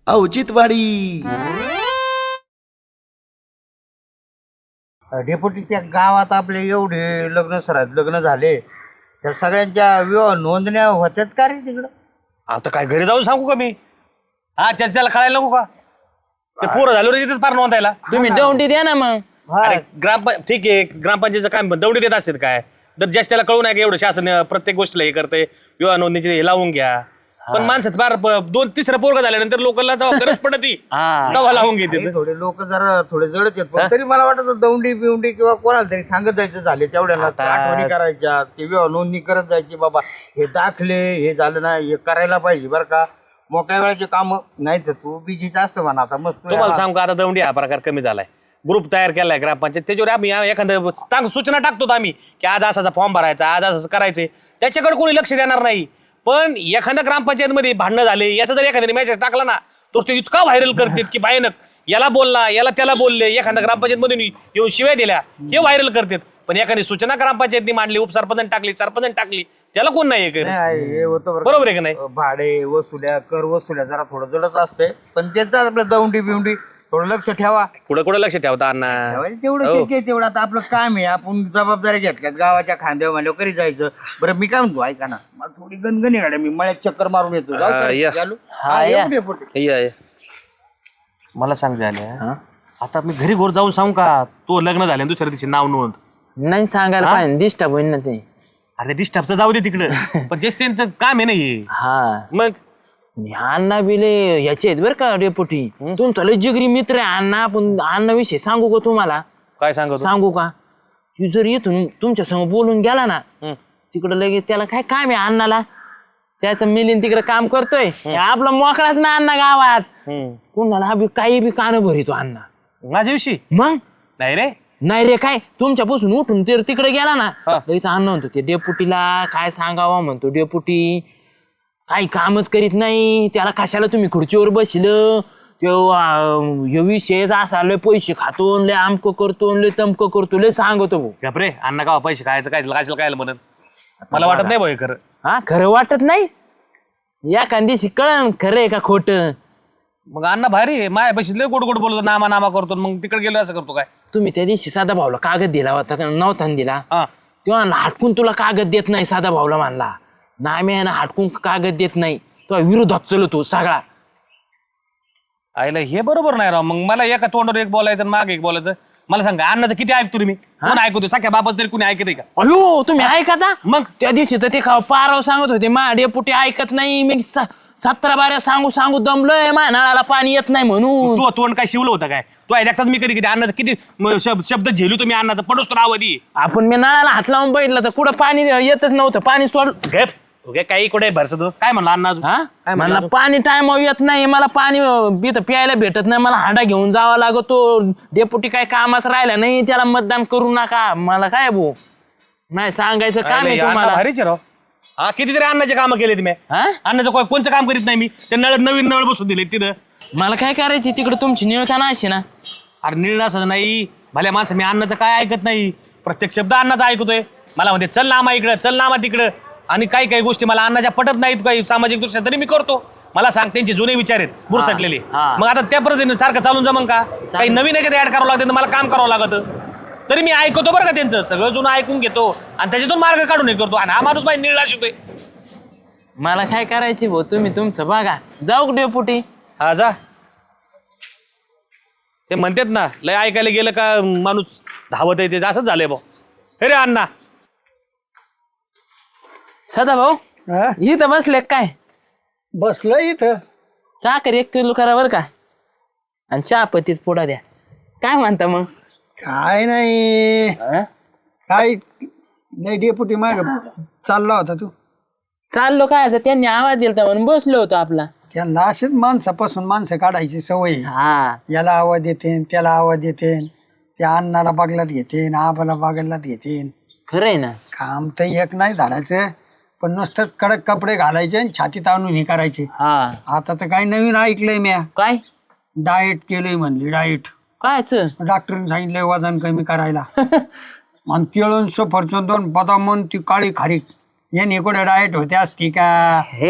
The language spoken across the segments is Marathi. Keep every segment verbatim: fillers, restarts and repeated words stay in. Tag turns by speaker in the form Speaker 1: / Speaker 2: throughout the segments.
Speaker 1: औचित्यवाडी.
Speaker 2: डेपुटी त्या गावात आपले एवढे लग्न सरात लग्न झाले त्या सगळ्यांच्या विवाह नोंदण्या होत्यात का रे तिकडं?
Speaker 3: आता काय घरी जाऊन सांगू का मी? हा चर्चेला कळायला नको का? ते पोरं झालो रे तिथेच फार नोंदायला.
Speaker 4: तुम्ही दौंडी द्या ना मग.
Speaker 3: अरे ग्राम ठीक आहे, ग्रामपंचायतीचं काम दौडी देत असतात काय? तर जास्त त्याला कळू नये का एवढं शासन प्रत्येक गोष्टीला हे करते, विवाह नोंदणीचे हे लावून घ्या. पण माणसात फार दोन तिसरं पोरग झाल्यानंतर लोकांना गरज पडती दवा लावून घेते.
Speaker 2: थोडे लोक जरा थोडे जडच आहेत पण तरी मला वाटत दौंडी बिवंडी किंवा कोणाला तरी सांगत जायचं झाले तेवढ्याला आठवणी करायच्या, ते विवाह नोंदणी करत जायची. बाबा हे दाखले हे झालं ना, हे करायला पाहिजे बरं का. मोकळ्या वेळाचे काम नाही तर तू बिजीच असतं म्हणा. आता मस्त
Speaker 3: तुम्हाला सांगू का, आता दौंडी हा प्रकार कमी झालाय. ग्रुप तयार केलाय ग्रामपंचायत, त्याच्यावर आम्ही एखादं चांग सूचना टाकतो आम्ही की आज असाचा फॉर्म भरायचा, आज असं करायचंय. त्याच्याकडे कोणी लक्ष देणार नाही. पण एखाद्या ग्रामपंचायतमध्ये भांडणं झाले याचा जर एखाद्याने मेसेज टाकला ना तर तो इतका व्हायरल करतात की भयानक. याला बोलला, याला त्याला बोलले, एखाद्या ग्रामपंचायतमधून येऊन शिव्या दिल्या, हे व्हायरल करतात. पण एखादी सूचना ग्रामपंचायतनी मांडली, उपसरपंच टाकली, सरपंच टाकली, त्याला कोण नाही हे
Speaker 2: हे होतं
Speaker 3: बरोबर आहे का नाही?
Speaker 2: भाडे वसुल्या कर वसुल्या जरा थोडं जडच असते पण त्याचं आपलं दौंडी बिवंडी थोडं लक्ष ठेवा.
Speaker 3: कुठं कुठं लक्ष ठेवता अण्णा?
Speaker 2: तेवढं शक्य आहे तेवढं. आता आपलं काम आहे, आपण जबाबदारी घेतल्यात गावाच्या खांद्यावर म्हणल्यावर करी जायचं. बरं मी काय म्हणतो ऐका ना, मला थोडी गणगणी गाड्या मी मळ्यात चक्कर मारून येतो. जाऊ का?
Speaker 3: या.
Speaker 2: चालू?
Speaker 4: हा,
Speaker 2: हा,
Speaker 4: या.
Speaker 2: येऊ दे पोटे.
Speaker 3: या, या. मला सांग झाल्या आता मी घरी घोर जाऊन सांगू का तो लग्न झालं दुसऱ्या दिवशी नाव नोंद?
Speaker 4: नाही सांगायला पाहिजे, डिस्टर्ब होईल ना ते.
Speaker 3: अरे डिस्टर्बचं जाऊ दे तिकडं, पण जे त्यांचं काम आहे ना हे.
Speaker 4: हा
Speaker 3: मग
Speaker 4: अण्णा बिले याचे आहेत बरं का डेपुटी. तुमचा लय जिगरी मित्र आहे अण्णा. पण अण्णा विषय सांगू का तुम्हाला?
Speaker 3: काय सांगतो?
Speaker 4: सांगू का? तू जर इथून तुमच्या समोर बोलून गेला ना तिकडं लगेच त्याला काय काम आहे अण्णाला, त्याचं मिलीन तिकडे काम करतोय. हे आपला मोकळाच ना अण्णा गावात. कुणाला बी काही बी कान भरितो अण्णा
Speaker 3: माझ्याविषयी.
Speaker 4: मग
Speaker 3: नाही रे,
Speaker 4: नाही रे काय तुमच्यापासून उठून ते तिकडे गेला ना लगेच अण्णा म्हणतो ते डेपुटीला काय सांगावा म्हणतो डेपुटी काही कामच करीत नाही, त्याला कशाला तुम्ही खुर्चीवर बसलं, हे विषय असा लय पैसे खातो, लय आमकं करतो, लय तमकं करतो, लय सांगतो भाऊ.
Speaker 3: घाबरे अण्णा का पैसे खायचं काय काय काय म्हणत मला वाटत नाही भाऊ खरं.
Speaker 4: हा खरं वाटत नाही? या दिवशी कळण खरं आहे का खोटं.
Speaker 3: मग अण्णा भारी माया पैसे लय गोड गोड बोलतो, नामा नामा करतो, मग तिकडे गेलो असं करतो काय?
Speaker 4: तुम्ही त्या दिवशी साधा भाऊला कागद दिला होता का नव्हता दिला?
Speaker 3: हा
Speaker 4: तेव्हा हटकून तुला कागद देत नाही साधा भाऊला मानला ना, मी ना हटकून कागद देत नाही, तो विरोधात चलतो सगळा.
Speaker 3: आईला हे बरोबर नाही राव. मग मला एका तोंडावर एक बोलायचं आणि मागे एक बोलायचं. मला सांगा अण्णाचं किती ऐकतो मी? कोण ऐकतो? सख्या बाबा तरी कोणी ऐकत का?
Speaker 4: अयो तुम्ही ऐकता?
Speaker 3: मग
Speaker 4: त्या दिवशी तर ते खाव पाराव सांगत होते मा डेपुटी ऐकत नाही. मी स- सतरा बाऱ्या सांगू सांगू दमलोय, मा नळाला पाणी येत नाही म्हणून.
Speaker 3: तू तोंड काय शिवलं होतं काय? तू ऐकताच मी कधी कधी अण्णाचं किती म- शब- शब्द झेलू तुम्ही अण्णाचं पडोस तर आवधी.
Speaker 4: आपण मी नळाला हात लावून बघितलं तर कुठं पाणी येतच नव्हतं. पाणी सोड
Speaker 3: गप ओके काही कुठे भरस तू काय म्हणला अण्णा अजून?
Speaker 4: हा मला पाणी टाइम येत नाही, मला पाणी इथं प्यायला भेटत नाही, मला हांडा घेऊन जावा लागतो. डेपुटी काय कामाच राहिला नाही, त्याला मतदान करू नका. मला काय भाऊ नाही सांगायचं काम आहे
Speaker 3: अण्णा
Speaker 4: तुम्हाला.
Speaker 3: भारीच आहे राव. हा कितीतरी अण्णाचे काम केले तुम्ही.
Speaker 4: हा
Speaker 3: अण्णाचं कोण- कोणचं काम करीत नाही मी. ते नळ नवीन नळ बसून दिले तिथं.
Speaker 4: मला काय करायची तिकडे तुमची निळताना अशी ना.
Speaker 3: अरे निर्णय असं नाही भल्या माणसं मी अण्णाचं काय ऐकत नाही. प्रत्येक शब्द अण्णाचा ऐकतोय. मला म्हणते चल नामा इकडं, चल नामा तिकडं. आणि काही काही गोष्टी मला अण्णाच्या पटत नाहीत काही सामाजिक दृष्ट्या तरी मी करतो. मला सांग त्यांचे जुने विचार आहेत बुरसटलेले.
Speaker 4: हा.
Speaker 3: मग आता त्या पद्धतीने सारखं चालून जमन का? काही नवीन याच्यात ऍड करावं लागतं तर मला काम करावं लागतं. तरी मी ऐकतो बरं का त्यांचं सगळं जुनं ऐकून घेतो आणि त्याच्यातून मार्ग काढून हे करतो. आणि हा माणूस माझी निर्णय शिकतोय.
Speaker 4: मला काय करायची भाऊ तुम्ही तुमचं बघा. जाऊ डेपुटी.
Speaker 3: हा जा. ते म्हणतात ना लय ऐकायला गेलं का माणूस धावत येते, असंच झालंय भाऊ. हे रे अण्णा
Speaker 4: सदा भाऊ इथं बसले काय?
Speaker 5: बसलं इथं.
Speaker 4: साखर एक किलो करा बरं का, आणि चहा पत्तीच पुढा द्या. काय म्हणता मग?
Speaker 5: काय नाही
Speaker 4: अं?
Speaker 5: काय नाही डेपुटी माग चालला होता तू.
Speaker 4: चाललो काय आता त्यांनी आवाज दिला म्हणून बसलो होतो आपला.
Speaker 5: त्यांना असेच माणसापासून माणसं काढायची सवय आहे.
Speaker 4: हा
Speaker 5: याला आवाज देते त्याला आवाज देते, त्या अण्णाला बागलात घेते आबाला बागलात घेते.
Speaker 4: खरंय ना.
Speaker 5: काम तर एक नाही धाडायचं, पण नुसतंच कडक कपडे घालायचे आणि छातीत आणून हे करायचे.
Speaker 4: हा
Speaker 5: आता तर काही नवीन ऐकलंय म्या.
Speaker 4: काय
Speaker 5: डाएट केलंय म्हणली. डाएट
Speaker 4: कायच?
Speaker 5: डॉक्टरने सांगितलंय वजन कमी करायला. आणि केळून सफरचंद दोन बदाम ती काळी खारीक याने कुठे डाएट होते असती का?
Speaker 4: हे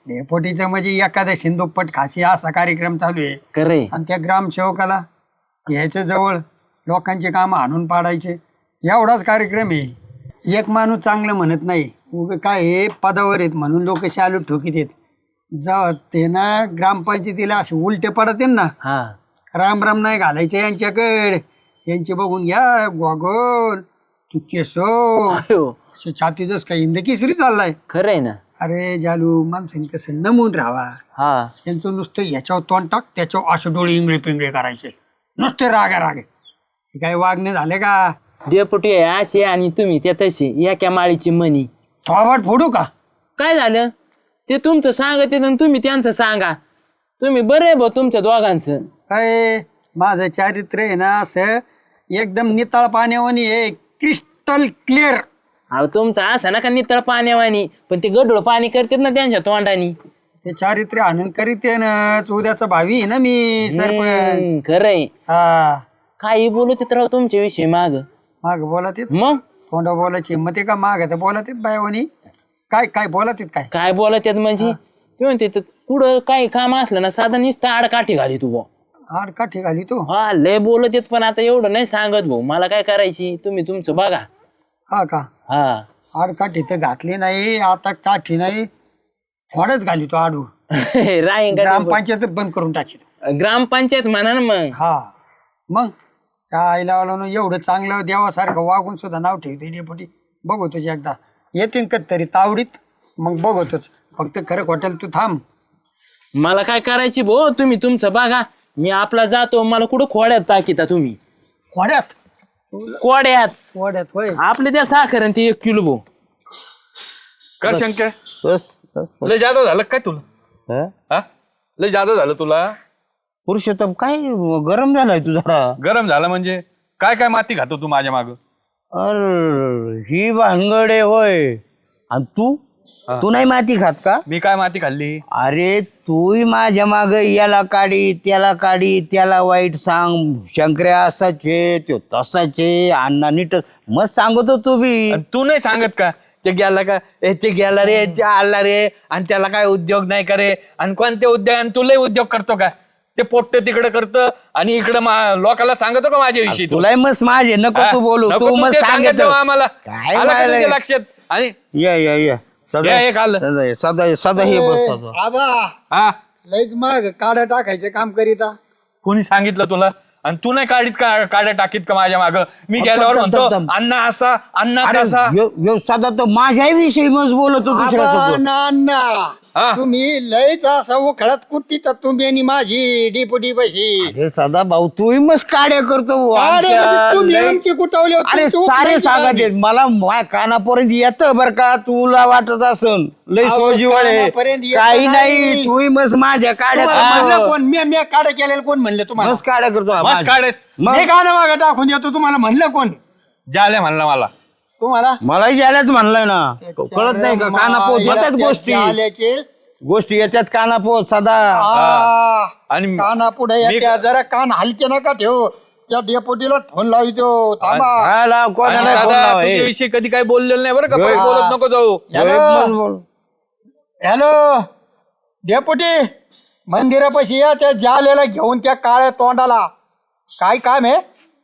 Speaker 5: डेपोटीचं म्हणजे एखाद्या सिंधुपट खासी असा कार्यक्रम चालू आहे
Speaker 4: खरंय.
Speaker 5: आणि त्या ग्रामसेवकाला घ्यायचं जवळ लोकांचे काम आणून पाडायचे एवढाच कार्यक्रम आहे. एक माणूस चांगलं म्हणत नाही उग काय हे पदावर आहेत म्हणून लोक शालू ठोकीत आहेत. जेव्हा ते ना ग्रामपंचायतीला असे उलटे पडत ना
Speaker 4: हा
Speaker 5: राम राम नाही घालायचे यांच्याकडे. यांचे बघून घ्या गोगोल तू केसो
Speaker 4: अयो,
Speaker 5: छातीतच काही हिंद केसरी चाललाय.
Speaker 4: खरंय ना.
Speaker 5: अरे जालू माणसाने कसं नमून राहावा.
Speaker 4: हा
Speaker 5: यांचं नुसतं याच्यावर तोंड टाक त्याच्यावर असे डोळे इंगळे पिंगळे करायचे नुसते रागा रागे. हे काय वागणे झाले का?
Speaker 4: डेपुटी आहे असे आणि तुम्ही त्या तशी एका माळीची मनी.
Speaker 5: थोबाड फोडू का?
Speaker 4: काय झालं ते तुमचं सांगत आणि तुम्ही त्यांचं सांगा. तुम्ही बरं आहे भाऊ तुमच्या दोघांचं.
Speaker 5: काय माझं चारित्र्य आहे ना असं एकदम नितळ पाण्यावानी आहे क्रिस्टल क्लिअर.
Speaker 4: अहो तुमचं असं ना का नितळ पाण्यावानी पण ते गडूळ पाणी करतात ना त्यांच्या तोंडानी.
Speaker 5: ते चारित्र्य आणून करीत आहे ना. उद्याचा भावी आहे ना मी सरपंच.
Speaker 4: हम्म, खरंय.
Speaker 5: हा
Speaker 4: काही बोलत राव तुमच्या विषयी माग
Speaker 5: माग बोलत येत
Speaker 4: मग
Speaker 5: तोंडा बोलायची मग ते का माग तर बोलत येत बायवानी. काय काय बोलत येत काय?
Speaker 4: काय बोलत आहेत म्हणजे ते म्हणते तर कुठं काही काम असलं ना साधा नुसतं आडकाठी घाली तू भाऊ.
Speaker 5: आड काठी घाली तू.
Speaker 4: हा लय बोलत आहेत पण आता एवढं नाही सांगत भाऊ मला काय करायची तुम्ही तुमचं बघा.
Speaker 5: हा का?
Speaker 4: हा
Speaker 5: आड काठी तर घातली नाही आता काठी नाही फडच घाली तो आडू.
Speaker 4: राहीन का ते?
Speaker 5: ग्रामपंचायत बंद करून टाकी.
Speaker 4: ग्रामपंचायत म्हणा ना मग.
Speaker 5: हा मग त्या आईला वाला एवढं चांगलं देवासारखं वागून सुद्धा नाव ठेवते डेपुटी. बघू तुझी एकदा येतील का तरी तावडीत मग बघतोच. फक्त खरं खोटेल तू थांब.
Speaker 4: मला काय करायची भाऊ तुम्ही तुमचं बघा. मी आपला जातो मला कुठं खोड्यात टाकीता तुम्ही.
Speaker 5: खोड्यात
Speaker 4: कोड्यात
Speaker 5: खोड्यात होय.
Speaker 4: आपले त्या साखर आणि ते एक किलो भाऊ.
Speaker 1: कर शंकर
Speaker 2: बस बस बस.
Speaker 1: लय जादा झालं काय तुला?
Speaker 2: हा?
Speaker 1: हा लय जादा झालं तुला?
Speaker 2: पुरुषोत्तम काय गरम झालाय तू जरा.
Speaker 1: गरम झालं म्हणजे काय काय माती खातो तू माझ्या माग?
Speaker 2: अरे ही भानगडे होय. आणि तू तू नाही माती खात का?
Speaker 1: मी काय माती खाल्ली?
Speaker 2: अरे तूही माझ्या माग याला काढी त्याला काढी त्याला वाईट सांग. शंकर्या असाचे तो तसाचे अण्णा नीट मस्त सांगतो तू बी.
Speaker 1: आणि तू नाही सांगत का ते गेला का ए ते गेला रे ते आला रे आणि त्याला काय उद्योग नाही करे आणि कोणते उद्योग आणि तुलाही उद्योग करतो का? ते पोट्ट तिकडे करतं आणि इकडं मा- लोकांना सांगतो का माझ्याविषयी तू?
Speaker 2: तुलाही मस्त माझे नको तू बोलू.
Speaker 1: नको
Speaker 2: तू
Speaker 1: तू
Speaker 2: मस्त
Speaker 1: ते सांगत
Speaker 2: सांगत
Speaker 1: जाऊ आम्हाला.
Speaker 2: काय
Speaker 1: आलं का
Speaker 2: व्हायलंय?
Speaker 1: तुझ्या लक्षात? आणि
Speaker 2: या या या सदा
Speaker 1: या, एक आलं.
Speaker 2: सदा ये, सदा ये, सदा हे बस सदा.
Speaker 5: आबा
Speaker 1: हा
Speaker 5: लयच मग काड्या टाकायचे काम करीता.
Speaker 1: कोणी सांगितलं तुला? आणि तू नाही काढीत का काड्या टाकीत का माझ्या माग? मी गेल्यावर
Speaker 2: दम, दम,
Speaker 1: म्हणतो
Speaker 2: दम.
Speaker 1: अण्णा असा अण्णा
Speaker 2: अरे
Speaker 1: तसा.
Speaker 2: यो- यो सदा तर माझ्याविषयी मस्त बोलतो
Speaker 5: आबा,
Speaker 2: दुसऱ्यासोबत.
Speaker 5: ना, ना.
Speaker 1: हा.
Speaker 5: तुम्ही लयच असा उखळत कुट्टी तर तुम्ही आणि माझी डिपुटी बशी.
Speaker 2: अरे सदा भाऊ तूही मस्त काड्या करतो भाऊ.
Speaker 5: काड्या म्हणजे
Speaker 2: आमच्या
Speaker 5: तुम्ही
Speaker 2: लय-
Speaker 5: आमची कुटावली होती,
Speaker 2: अरे
Speaker 5: तुमची
Speaker 2: सारे
Speaker 5: उखळायची
Speaker 2: सांगत
Speaker 5: काढली.
Speaker 2: आहेत. मला माझ्या कानापर्यंत येतं बर का. तुला वाटत असन लय
Speaker 5: अहो,
Speaker 2: सोजीवाळे
Speaker 5: कानापर्यंत येतं
Speaker 2: काही नाही.
Speaker 5: नाही.
Speaker 2: तूही मस्त माझ्या काड्या
Speaker 5: तुम्हाला म्हणलं
Speaker 2: करतो.
Speaker 5: कोण? मी मी काड्या केलेलं कोण म्हणलं तुम्हाला?
Speaker 2: मस्त काड्या करतो
Speaker 1: मस्त
Speaker 2: माझ्या.
Speaker 1: काढेस
Speaker 2: मग
Speaker 5: मी काना मागं टाकून देतो तुम्हाला म्हणलं कोण?
Speaker 1: जाल्या म्हणला मला.
Speaker 5: तुम्हाला
Speaker 2: मलाही जायलाच म्हणलंय ना. कळत नाही का कानापोत होत्याच गोष्टी
Speaker 5: आल्याचे
Speaker 2: गोष्टी याच्यात कानापोत सदा.
Speaker 1: आणि
Speaker 5: काना पुढे
Speaker 1: मी-
Speaker 5: येत्या जरा कान हलके नका ठेव. त्या डेपोटीला फोन लावितो थांबा.
Speaker 2: हा, लाव, कोणाला
Speaker 1: आणि
Speaker 2: फोन
Speaker 1: दादा
Speaker 2: लाव, हे.
Speaker 1: तुझ्याविषयी कधी काही बोललेलं नाही बरं का?
Speaker 2: होय.
Speaker 1: परत बोलत नको जाऊ.
Speaker 2: होय, मस्त बोल.
Speaker 5: हॅलो डेपुटी मंदिरापाशी या त्या जालेला घेऊन त्या काळ्या तोंडाला. काय काम आहे?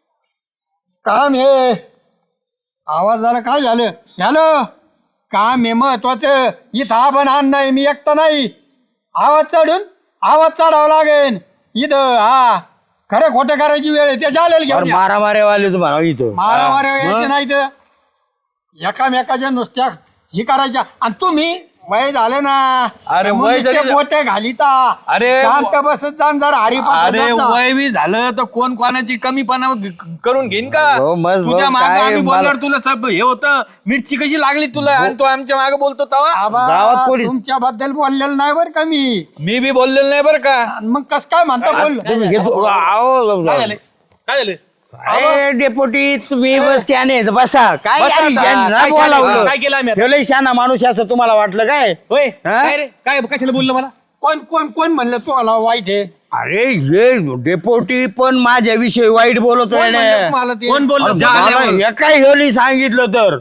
Speaker 5: काम आहे. आवाज झाला काय झालं? हॅलो काम आहे महत्वाचं. इथं आपण आण नाही मी एकटा नाही. आवाज चढून आवाज चढावा लागेल इथं. हा खरं खोटं करायची वेळ आहे. त्या जालेला घेऊन
Speaker 2: अरे
Speaker 5: या.
Speaker 2: मारा मारे वाले तुम्हाला इथं.
Speaker 5: मारा मारा
Speaker 2: हा.
Speaker 5: यायचे नाही तर एकामेकाच्या नुसत्या ही करायच्या. आणि तुम्ही वय झालं ना.
Speaker 1: अरे,
Speaker 5: मग
Speaker 1: वय
Speaker 5: नुसते
Speaker 1: जरी-
Speaker 5: बोटे घालिता.
Speaker 1: अरे,
Speaker 5: शांत बसत जाण जरा
Speaker 1: अरे
Speaker 5: हरिपाठ
Speaker 1: वय बी झालं तर कोण कोणाची कमीपणा ग- करून घेईन का?
Speaker 2: हो, मस्त
Speaker 1: तुझ्या
Speaker 2: भाऊ,
Speaker 1: मागे
Speaker 2: काय
Speaker 1: आम्ही
Speaker 2: मला-
Speaker 1: बोलल्यावर तुला सब हे होतं. मिरची कशी लागली तुला आणि तू आमच्या मागे बोलतो तवा?
Speaker 2: गावात कोणी-
Speaker 5: तुमच्याबद्दल बोललेलं नाही बरं का मी.
Speaker 1: मी बी बोललेलं नाही बरं का?
Speaker 5: आणि मग कस काय म्हणता बोल?
Speaker 2: तुम्ही घेतो आओ,
Speaker 1: काय झालं काय झालं
Speaker 2: काय डेपोटी तुम्ही बस त्याने बसा. काय
Speaker 1: बसा
Speaker 2: यारी,
Speaker 1: आता.
Speaker 2: यांना
Speaker 1: काय
Speaker 2: बोलावलं.
Speaker 1: झालं? काय केलं आम्ही आता?
Speaker 2: ठेवलंय शाना माणूस असं तुम्हाला वाटलं काय?
Speaker 1: होय
Speaker 2: हा?
Speaker 1: काय रे काय कशाला बोललं मला?
Speaker 5: कोण कोण कोण म्हणलं तुम्हाला वाईट आहे?
Speaker 2: अरे हे डेपोटी पण माझ्याविषयी वाईट बोलतोय
Speaker 5: कोण
Speaker 2: ना.
Speaker 5: म्हणलं तुम्हाला ते?
Speaker 1: कोण बोललं?
Speaker 2: अरे
Speaker 1: जा
Speaker 2: मला
Speaker 1: आल्यावर.
Speaker 2: हे काय हेली सांगितलं तर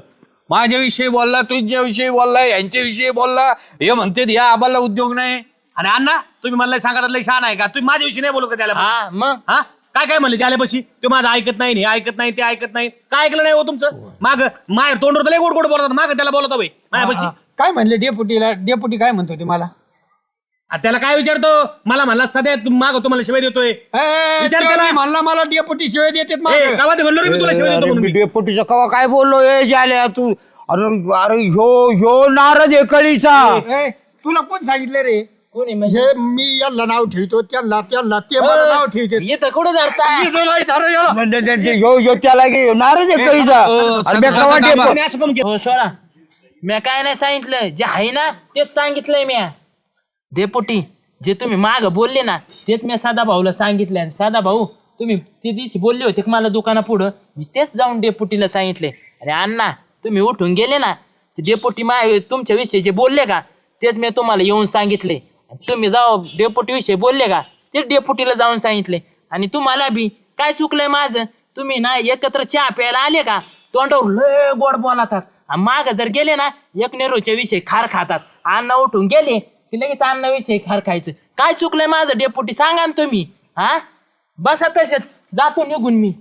Speaker 1: माझ्याविषयी बोलला, तुझ्याविषयी बोलला, यांच्याविषयी बोलला. हे म्हणते या आबाला उद्योग नाही.
Speaker 3: आणि अण्णा तुम्ही मला सांगा लय छान आहे का तुम्ही माझ्याविषयी नाही बोलत का त्याला
Speaker 4: हा मग
Speaker 3: हा काय काय म्हणले त्याल्यापाशी तो माझं ऐकत नाही हे ऐकत नाही ते ऐकत नाही काय ऐकलं नाही हो तुमचं माग माय तोंडवर तर लय गोड गोड बोलतात माग त्याला बोलत हवंय माझ्यापाशी
Speaker 5: काय म्हणले डेपुटीला? डेपुटी काय म्हणतो ते मला?
Speaker 3: आ, त्याला काय विचारतो मला म्हणला सध्या माग तुम्हाला शिवाय देतोय
Speaker 5: ए,
Speaker 3: विचार
Speaker 5: तेव्हा
Speaker 3: केला?
Speaker 5: मी म्हणला मला डेपुटी शिवाय देतात
Speaker 3: ए,
Speaker 5: मागं.
Speaker 3: गावात म्हणलो रे मी तुला शिवाय देतो म्हणून मी.
Speaker 2: डेपुटीचं कवा काय बोललो ए झाल्या तू? अरे अरे ह्यो ह्यो नारद आहे कळीचा.
Speaker 5: ए, तुला कोण सांगितलं रे?
Speaker 4: कोणी म्हणजे
Speaker 5: हे मी याला नाव ठेवतो, त्याला त्याला ते मला नाव ठेवते.
Speaker 4: येतं कुठं जाता
Speaker 2: न- न- न- ह्यो ह्यो त्याला घे, ह्यो नारद आहे कळीचा. अरे मी कवा डेपु-
Speaker 3: त्याने असं करून केलं.
Speaker 4: हो सोडा. म्या काय नाही सांगितलं, जे आहे ना तेच सांगितलंय म्या. डेपुटी जे तुम्ही माग बोलले ना तेच मी साधा भाऊला सांगितलंय. आणि साधा भाऊ तुम्ही ते दिवशी बोलले होते की मला दुकाना पुढं, मी तेच जाऊन डेपुटीला सांगितले. अरे अण्णा तुम्ही उठून गेले ना ते डेपुटी मा तुमच्या विषयी जे बोलले का तेच मी तुम्हाला येऊन सांगितले. आणि तुम्ही जाऊ डेपुटी विषयी बोलले का तेच डेपुटीला जाऊन सांगितले. आणि तुम्हाला बी काय चुकलंय माझं, तुम्ही ना एकत्र चहा प्यायला आले का तोंडावर लय गोड बोलतात, माग जर गेले ना एक नेरोच्या विषयी खार खातात. अण्णा उठून गेले की लगेच अण्णा विषयी खार खायचं. काय चुकलंय माझं डेपुटी सांगा ना तुम्ही. हा बसा तसेच जातो निघून मी.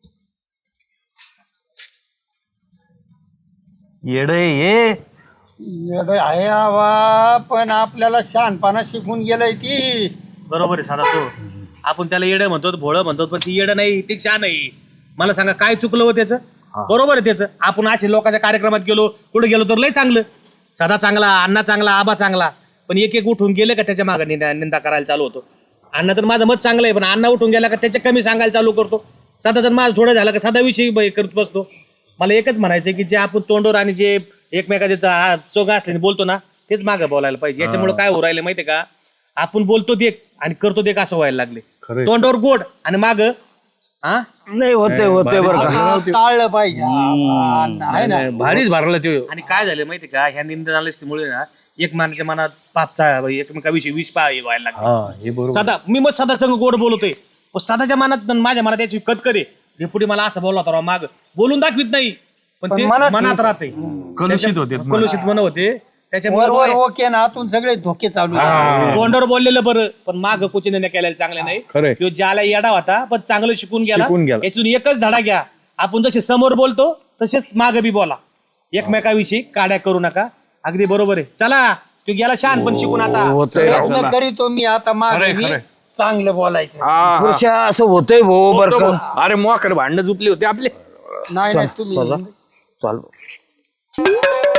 Speaker 1: येड ये
Speaker 5: येडं आहे आवा, पण आपल्याला शहाणपणा शिकून गेलंय ती.
Speaker 3: बरोबर आहे साधा तो आपण त्याला येडं म्हणतो भोळं म्हणतो पण ती येडं नाही ते छान नाही. मला सांगा काय चुकलं हो त्याचं? बरोबर आहे त्याचं. आपण असे लोकांच्या कार्यक्रमात गेलो कुठे गेलो तर लय चांगलं साधा चांगला अण्णा चांगला आबा चांगला पण एक एक उठून गेले का त्याच्या मागे निंदा निंदा करायला चालू होतो. अण्णा तर माझं मत चांगलं आहे पण अण्णा उठून गेला का त्याच्या कमी सांगायला चालू करतो. साधा तर माझं थोडं झालं का साधा विषयी ब- करत बसतो. मला एकच म्हणायचं की जे आपण तोंडवर आणि जे एकमेकाचे चोगा असल्याने बोलतो ना तेच मागं बोलायला पाहिजे. याच्यामुळे काय हो राहिलं माहितीये का आपण बोलतो ते आणि करतो ते असं व्हायला लागले. तोंडावर गोड आणि माग हा
Speaker 2: नाही होते होते बरं का.
Speaker 5: आता टाळलं पाहिजे. आवा, नाही ना.
Speaker 1: भारीच भरला ते.
Speaker 3: आणि काय झालं माहितीये का ह्या निंदनालस्तीमुळे ना एकमेकांच्या मनात पापचा एकमेकाविषयी विष पा व्हायला लागला. सदा मी मग सदा संग गोड बोलतोय पण सदाच्या मनात आणि माझ्या मनात याची कटकरी पुढे मला असं बोलला होता माग बोलून दाखवित नाही पण ते मनात राहते.
Speaker 1: कलुषित होते
Speaker 3: कलुषित मन होते
Speaker 5: वर
Speaker 3: त्याच्यामुळे
Speaker 5: वर ओके ना, आतून सगळे धोके चालू आहेत.
Speaker 3: तोंडावर बोललेलं बरं पण माग कुचिन केलेलं चांगलं नाही.
Speaker 1: खरंय.
Speaker 3: तो ज्याला येडा होता पण चांगलं शिकून गेला.
Speaker 1: शिकून गेला.
Speaker 3: यातून एकच धडा घ्या आपण जसे समोर बोलतो तसेच माग बी बोला. एकमेकाविषयी काड्या करू नका. अगदी बरोबर आहे. चला तो गेला शान पण शिकून आता
Speaker 5: प्रयत्न करीतो मी आता मागे मी चांगलं बोलायचं.
Speaker 2: पुरुषा असं होतंय भाऊ बरं का.
Speaker 1: अरे मोकर भांडणं झुपली होती आपले.
Speaker 5: नाही नाही तुम्ही
Speaker 2: चाल